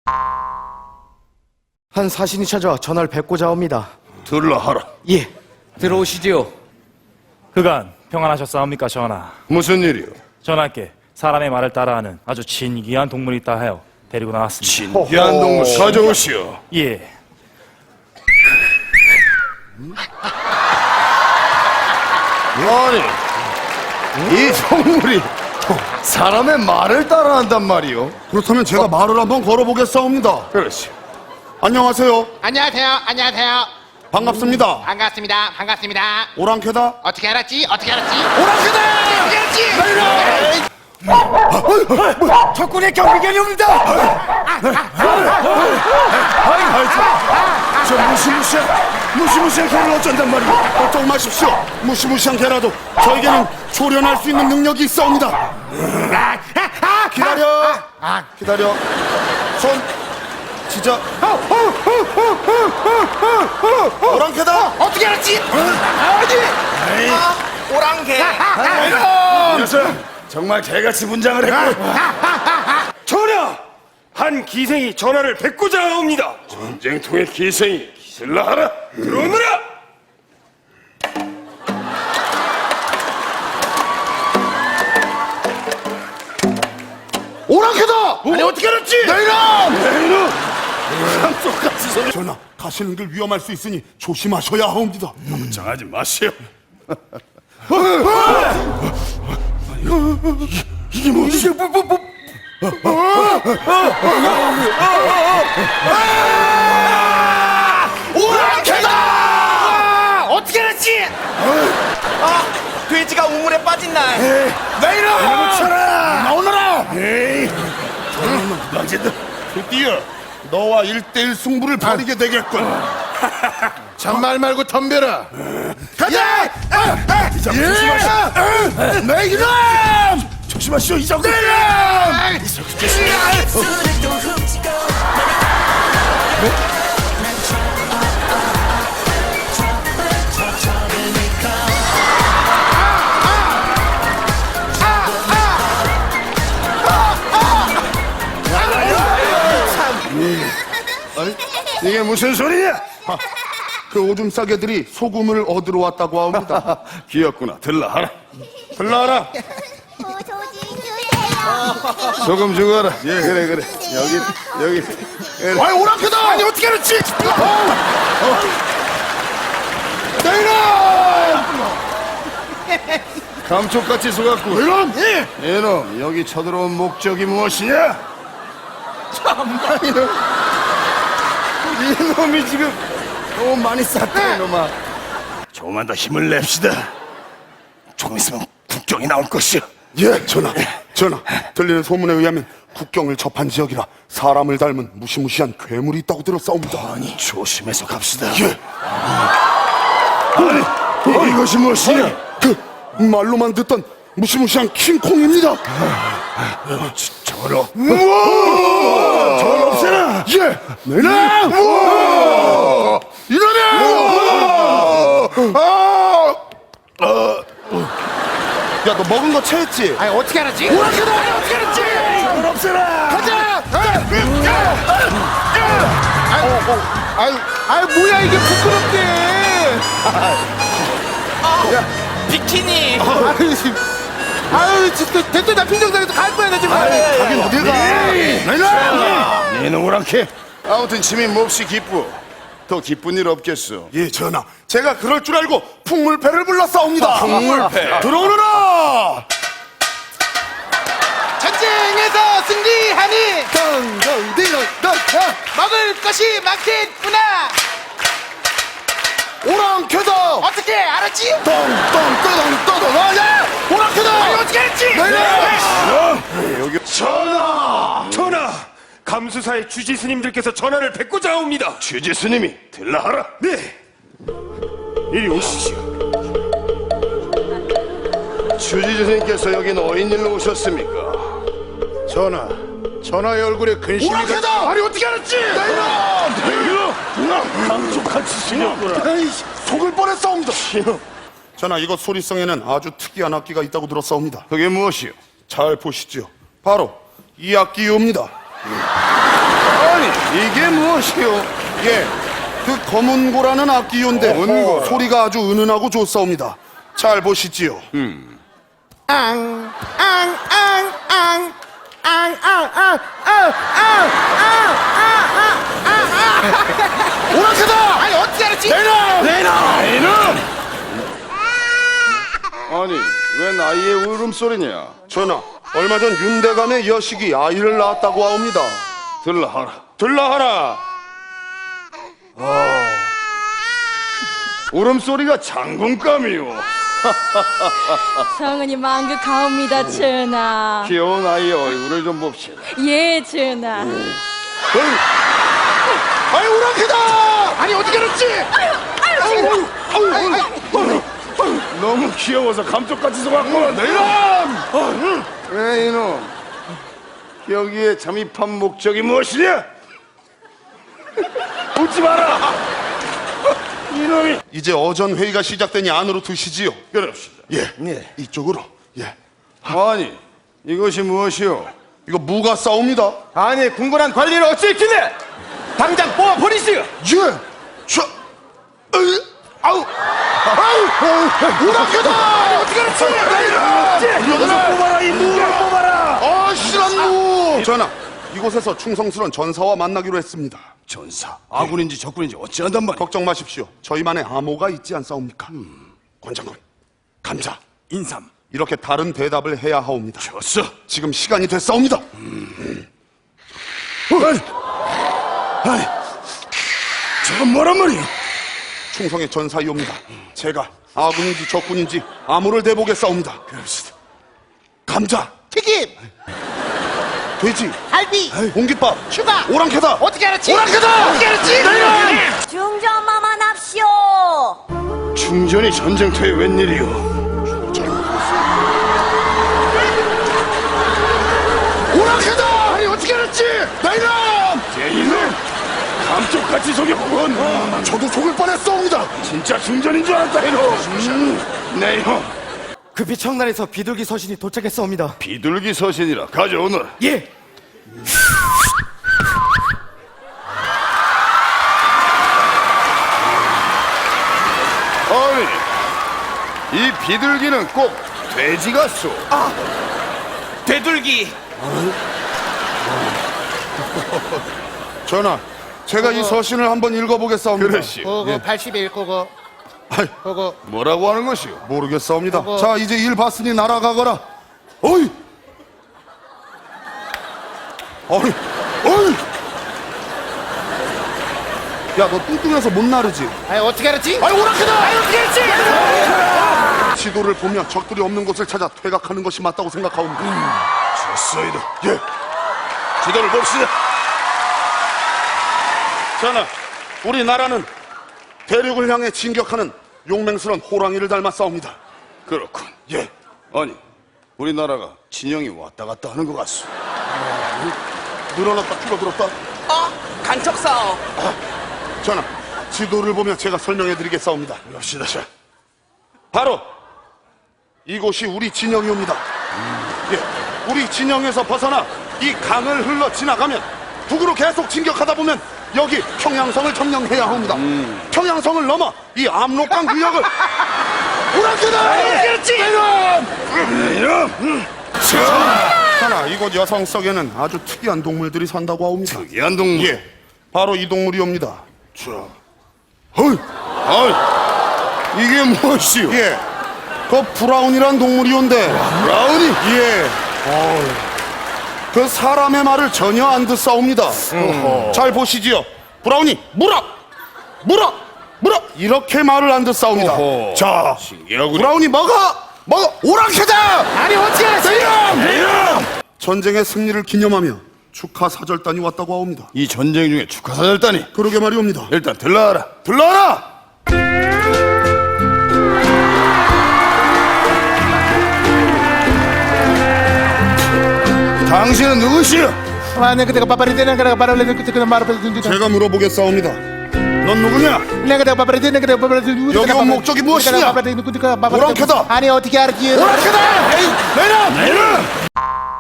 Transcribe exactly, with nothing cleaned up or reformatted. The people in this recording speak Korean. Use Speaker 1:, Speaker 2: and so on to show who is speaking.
Speaker 1: 한 사신이 찾아와 전화를 뵙고자 합니다.
Speaker 2: 들라하라.
Speaker 1: 예, 들어오시지요.
Speaker 3: 그간 평안하셨사옵니까 전하?
Speaker 2: 무슨 일이요?
Speaker 3: 전하께 사람의 말을 따라하는 아주 진귀한 동물이 있다 하여 데리고 나왔습니다.
Speaker 2: 신기한 동물 가져오시오.
Speaker 3: 예.
Speaker 2: 아니, 이 동물이 사람의 말을 따라한단 말이오.
Speaker 4: 그렇다면 제가 말을 한번 걸어보겠사옵니다.
Speaker 2: 그렇지.
Speaker 4: 안녕하세요.
Speaker 5: 안녕하세요. 안녕하세요.
Speaker 4: 반갑습니다.
Speaker 5: 반갑습니다. 반갑습니다.
Speaker 4: 오랑캐다.
Speaker 5: 어떻게 알았지? 어떻게 알았지?
Speaker 4: 오랑캐다!
Speaker 5: 어떻게 알았지?
Speaker 1: 적군의 경비견이 옵니다.
Speaker 4: 저 무시무시한 무시무시한 개를 어쩐단 말이오. 걱정 마십시오. 무시무시한 개라도 저에게는 조련할 수 있는 능력이 있사옵니다. 기다려. 기다려. 손. 진짜. 오랑캐다.
Speaker 5: 어떻게 알았지?
Speaker 1: 오랑개.
Speaker 2: 녀석, 정말 개같이 분장을 했고.
Speaker 6: 전하! 한 기생이 전하를 뵙고자 옵니다.
Speaker 2: 전쟁통의 기생이 기슬라하라.
Speaker 6: 들어오너라!
Speaker 4: 오랑캐다.
Speaker 2: 아니 어떻게 알았지?
Speaker 4: 내 이름.
Speaker 2: 내 이름. 똑같이 소리.
Speaker 4: 전하, 가시는 길 위험할 수 있으니 조심하셔야 하옵니다.
Speaker 2: 걱정하지 마시오.
Speaker 4: 이게 뭐지? 뭐, 뭐, 뭐.
Speaker 5: 오랑캐다! 어떻게 알았지?
Speaker 1: 돼지가 우물에 빠진 날.
Speaker 4: 내 이름. 쳐라. 나오너라.
Speaker 2: 에이, 너희들
Speaker 4: 드디어 너와 일대일 승부를 벌이게 되겠군. 잔말 말고 덤벼라. 가자! 예! 내 이름! 조심하시오, 이정도. 내 이름!
Speaker 2: 아니, 이게 무슨 소리냐?
Speaker 4: 그 오줌 싸개들이 소금을 얻으러 왔다고 합니다.
Speaker 2: 귀엽구나. 들라하라. 들라하라.
Speaker 7: 어, 조지 주세요.
Speaker 2: 소금 주거라. 예, 그래, 그래. 여기, 여기. 그래.
Speaker 4: 아이, 오랑캐다! 아니, 어떻게 알았지? 내 이름!
Speaker 2: 감쪽같이 속았고.
Speaker 4: 이름! 예!
Speaker 2: 이놈, 여기 쳐들어온 목적이 무엇이냐? 참나, 이놈. 이놈이 지금 너무 많이 쌌다, 이놈아. 조금만 더 힘을 냅시다. 조금 있으면 국경이 나올 것이오.
Speaker 4: 예, 전하. 전하, 들리는 소문에 의하면 국경을 접한 지역이라 사람을 닮은 무시무시한 괴물이 있다고 들었사옵니다.
Speaker 2: 아니, 조심해서 갑시다.
Speaker 4: 예.
Speaker 2: 아니, 어, 이것이 무엇이냐?
Speaker 4: 그 말로만 듣던 무시무시한 킹콩입니다.
Speaker 2: 저러. 우와! 저걸 없애라!
Speaker 4: 예! 내 이름! 이놈이! 야, 너 먹은 거 체했지?
Speaker 5: 아니 어떻게 알았지?
Speaker 4: 오랑캐다!
Speaker 5: 아니 어떻게 알았지?
Speaker 2: 저걸 없애라!
Speaker 4: 가자! 아유, 아유, 뭐야, 이게 부끄럽게!
Speaker 1: 비키니.
Speaker 4: 아유, 지금. 아유, 진짜, 대체 나 핑정당해서 갈 거야, 나 지금. 가긴 어딜 가? 내
Speaker 2: 얘는 오랑캐. 아무튼 짐이 몹시 기쁘. 더 기쁜 일 없겠어.
Speaker 4: 예, 전하. 제가 그럴 줄 알고 풍물패를 불렀사옵니다.
Speaker 2: 풍물패.
Speaker 4: 들어오너라!
Speaker 5: 전쟁에서 승리하니
Speaker 4: 덩덩디렁덩
Speaker 5: 먹을 것이 많겠구나.
Speaker 4: 오랑캐다!
Speaker 5: 어떻게 알았지?
Speaker 4: 덩덩떠덩떠덩 아야! 오랑캐다!
Speaker 5: 아니 어떻게 알았지?
Speaker 4: 내려!
Speaker 6: 전하! 전하! 감수사의 주지 스님들께서 전하를 뵙고자 옵니다.
Speaker 2: 주지 스님이 들라하라.
Speaker 6: 네! 이리 오시시오.
Speaker 2: 주지 스님께서 여긴 어인일로 오셨습니까?
Speaker 4: 전하, 전하의 얼굴에 근심이 오랑캐다! 아니 어떻게 알았지? 내려!
Speaker 2: 감쪽같이 생겼구나.
Speaker 4: 속을 뻔했사옵니다. 전하, 이것 소리성에는 아주 특이한 악기가 있다고 들었사옵니다.
Speaker 2: 그게 무엇이요?
Speaker 4: 잘 보시지요. 바로 이 악기입니다.
Speaker 2: 아니,
Speaker 4: 이게 무엇이요? 예, 그 검은고라는 악기인데 소리가 아주 은은하고 좋사옵니다. 잘 보시지요. 오락해다!
Speaker 5: 아니 어떻게 알았지?
Speaker 4: 아니, 왜 나이의 울음소리냐? 전하, 얼마 전 윤대감의 여식이 아이를 낳았다고 하옵니다. 들라하라, 들라하라. 아, 울음소리가 장군감이요.
Speaker 8: 성은이 만극하옵니다, 전하.
Speaker 4: 귀여운 아이의 얼굴을 좀 봅시다.
Speaker 8: 예, 전하.
Speaker 4: 아이, 오락해다!
Speaker 5: 아니 어떻게 알았지?
Speaker 2: 너무 귀여워서 감쪽같이 속았고 내놈! 왜 이놈? 여기에 잠입한 목적이 무엇이냐? 웃지 마라! 이놈이!
Speaker 4: 이제 어전 회의가 시작되니 안으로 드시지요.
Speaker 2: 그럽시다.
Speaker 4: 예, 예. 이쪽으로. 예.
Speaker 2: 아니, 이것이 무엇이오?
Speaker 4: 이거 무가 싸웁니다.
Speaker 1: 아니 궁궐한 관리를 어찌했길래 당장 뽑아 버리시오.
Speaker 4: 예. 저, 으, 아우, 아우, 오락해다! 어떻게 알았지?
Speaker 2: 여기서 뽑아라, 이 무를 뽑아라!
Speaker 4: 아, 실한 무! 전하, 이곳에서 충성스러운 전사와 만나기로 했습니다.
Speaker 2: 전사, 아군인지 적군인지 어찌한단 말이야?
Speaker 4: 걱정 마십시오. 저희만의 암호가 있지 않사옵니까? 권장군, 감사,
Speaker 2: 인삼,
Speaker 4: 이렇게 다른 대답을 해야 하옵니다.
Speaker 2: 졌어.
Speaker 4: 지금 시간이 됐사옵니다.
Speaker 2: 아니, 아니, 저건 뭐란 말이야?
Speaker 4: 충성의 전사이옵니다. 제가 아군인지 적군인지 암호를 대보겠사옵니다.
Speaker 2: 그럽시다.
Speaker 4: 감자,
Speaker 5: 튀김,
Speaker 4: 돼지,
Speaker 5: 갈비,
Speaker 4: 공깃밥,
Speaker 5: 휴가.
Speaker 4: 오랑캐다!
Speaker 5: 어떻게 알았지?
Speaker 4: 오랑캐다!
Speaker 5: 어떻게 알았지?
Speaker 7: 중전마마 납시오.
Speaker 2: 충전이 전쟁터에 웬일이오?
Speaker 4: 오랑캐다! 아니, 어떻게 알았지? 내 이놈!
Speaker 2: 제 이놈! 감쪽같이 속였군!
Speaker 4: 저도 속을 뻔했사옵니다.
Speaker 2: 진짜 충전인 줄 알았다, 이놈! 음, 내 이놈!
Speaker 1: 급히 청란에서 비둘기 서신이 도착했사옵니다.
Speaker 2: 비둘기 서신이라 가져오너라.
Speaker 1: 예.
Speaker 2: 아니, 이 비둘기는 꼭 돼지 같소.
Speaker 1: 되돌기.
Speaker 4: 전하, 제가 이 서신을 한번 읽어보겠사옵니다.
Speaker 2: 그러시오.
Speaker 5: 그거 팔십일 그거
Speaker 4: 아이,
Speaker 5: 그거
Speaker 2: 뭐라고 하는 것이오?
Speaker 4: 모르겠사옵니다.
Speaker 5: 어머.
Speaker 4: 자, 이제 일 봤으니 날아가거라. 어이! 어이! 어이! 야, 너 뚱뚱해서 못 나르지?
Speaker 5: 아니 어떻게 알았지?
Speaker 4: 아이, 오락해다!
Speaker 5: 아니 어떻게 알았지?
Speaker 4: 지도를 보며 적들이 없는 곳을 찾아 퇴각하는 것이 맞다고 생각하옵니다.
Speaker 2: 졌어이다.
Speaker 4: 예.
Speaker 2: 지도를 봅시다.
Speaker 4: 전하, 우리나라는 대륙을 향해 진격하는 용맹스러운 호랑이를 닮았사옵니다.
Speaker 2: 그렇군.
Speaker 4: 예.
Speaker 2: 아니, 우리나라가 진영이 왔다 갔다 하는 것 같소.
Speaker 4: 늘어났다 줄어들었다.
Speaker 1: 간척 싸움.
Speaker 4: 전하, 지도를 보며 제가 설명해드리겠사옵니다.
Speaker 2: 봅시다. 자,
Speaker 4: 바로 이곳이 우리 진영이옵니다. 예, 우리 진영에서 벗어나 이 강을 흘러 지나가면 북으로 계속 진격하다 보면 여기 평양성을 점령해야 합니다. 평양성을 넘어 이 압록강 구역을 오랑캐다!
Speaker 2: 이놈!
Speaker 4: 하나, 이곳 여성 속에는 아주 특이한 동물들이 산다고 하옵니다.
Speaker 2: 특이한 동물.
Speaker 4: 예, 바로 이 동물이옵니다.
Speaker 2: 자, 헐, 아, 이게 무엇이오?
Speaker 4: 예, 그 브라운이란 동물이온데.
Speaker 2: 브라운이?
Speaker 4: 예. 그 사람의 말을 전혀 안 듣사옵니다. 잘 보시지요. 브라운이 물어! 물어! 물어! 이렇게 말을 안 듣사옵니다.
Speaker 2: 어허.
Speaker 4: 자,
Speaker 2: 신기하군.
Speaker 4: 브라운이 먹어! 먹어! 오랑캐다!
Speaker 5: 아니 어떻게 알았지?
Speaker 4: 전쟁의 승리를 기념하며 축하 사절단이 왔다고 하옵니다.
Speaker 2: 이 전쟁 중에 축하사절단이.
Speaker 4: 그러게 말이옵니다.
Speaker 2: 일단 들러와라.
Speaker 4: 들러라!
Speaker 2: 당신은 누구시오?
Speaker 5: 아 내가 내가 바바리 되는 거라 바바리 되는 거 말을
Speaker 4: 제가 물어보겠사옵니다. 넌 누구냐?
Speaker 5: 내가 내가 바바리 되는 거라 바바리 되는
Speaker 4: 여기 온 목적이 무엇이냐?
Speaker 5: 바바리 되는 거 바바리
Speaker 4: 오랑캐다!
Speaker 5: 아니 어떻게 알았지?
Speaker 4: 오랑캐다! 에이, 내놔! 내놔!